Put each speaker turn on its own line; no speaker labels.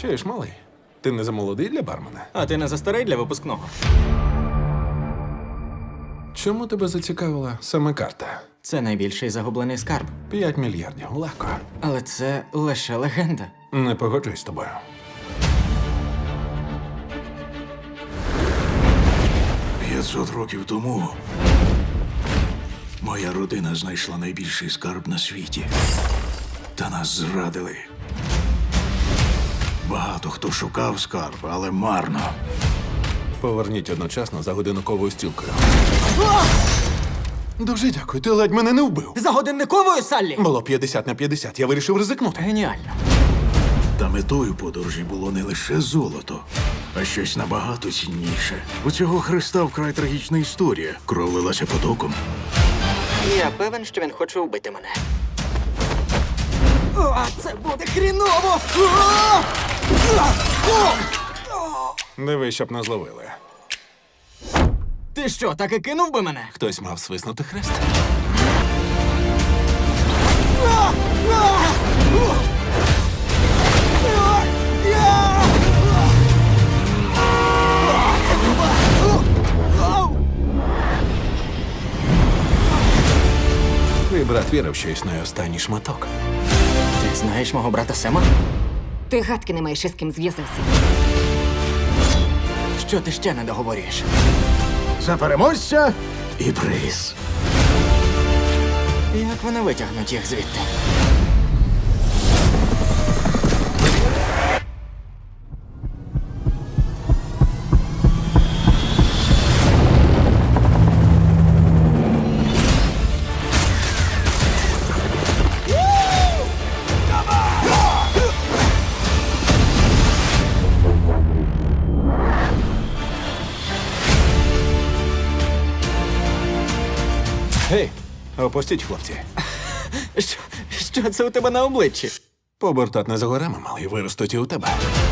Чуєш, малий? Ти не замолодий для бармена?
А ти не застарий для випускного.
Чому тебе зацікавила саме карта?
Це найбільший загублений скарб.
5 мільярдів, легко.
Але це лише легенда.
Не погоджуюсь з тобою.
«500 років тому моя родина знайшла найбільший скарб на світі. Та нас зрадили. Багато хто шукав скарб, але марно.
Поверніть одночасно за годинниковою стрілкою. Дуже дякую, ти ледь мене не вбив.
За годинниковою, Саллі!
Було 50 на 50, я вирішив ризикнути.
Геніально.
Та метою подорожі було не лише золото, а щось набагато цінніше. У цього Христа вкрай трагічна історія. Кров лилася потоком.
Я певен, що він хоче вбити мене. О, це буде хріново!
Диви, щоб не зловили.
Ти що, так і кинув би мене?
Хтось мав свиснути хрест. Твій брат вірив, що існує останній шматок.
Ти знаєш мого брата Сема?
Ти гадки не маєш із ким зв'язався.
Що ти ще не договорюєш?
За переможця і приз.
Як вони витягнуть їх звідти?
Гей, опустіть, хлопці.
Що це у тебе на обличчі?
Побортат не за горами, малий, виростуть і у тебе.